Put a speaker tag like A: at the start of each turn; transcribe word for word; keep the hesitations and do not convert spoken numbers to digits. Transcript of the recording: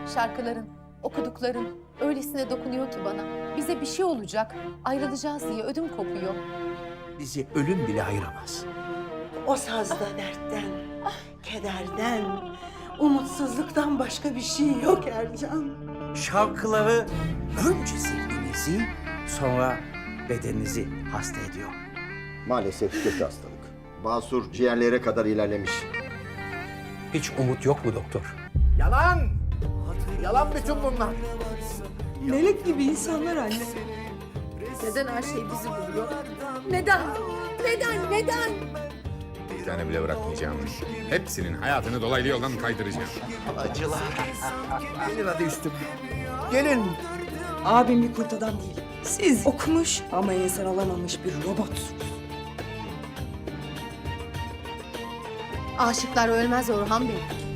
A: Şarkıların, okudukların öylesine dokunuyor ki bana. Bize bir şey olacak, ayrılacağız diye ödüm kopuyor.
B: Bizi ölüm bile ayıramaz.
C: O sazda dertten, kederden, umutsuzluktan başka bir şey yok Ercan.
B: Şarkıları önce zihninizi, sonra bedeninizi hasta ediyor.
D: Maalesef kötü hastalık. Basur ciğerlere kadar ilerlemiş.
B: Hiç umut yok mu doktor?
E: Yalan! Yalan bütün bunlar.
C: Melek gibi insanlar anne.
A: Neden her şey bizi buluyor? Neden? Neden? Neden?
F: Bir tane bile bırakmayacağım. Hepsinin hayatını dolaylı yoldan kaydıracağım.
B: Acılar. Gelin hadi üstüm. Gelin.
G: Abim bir kurt adam değil. Siz okumuş ama insan olamamış bir robotsunuz.
A: Aşıklar ölmez Orhan Bey.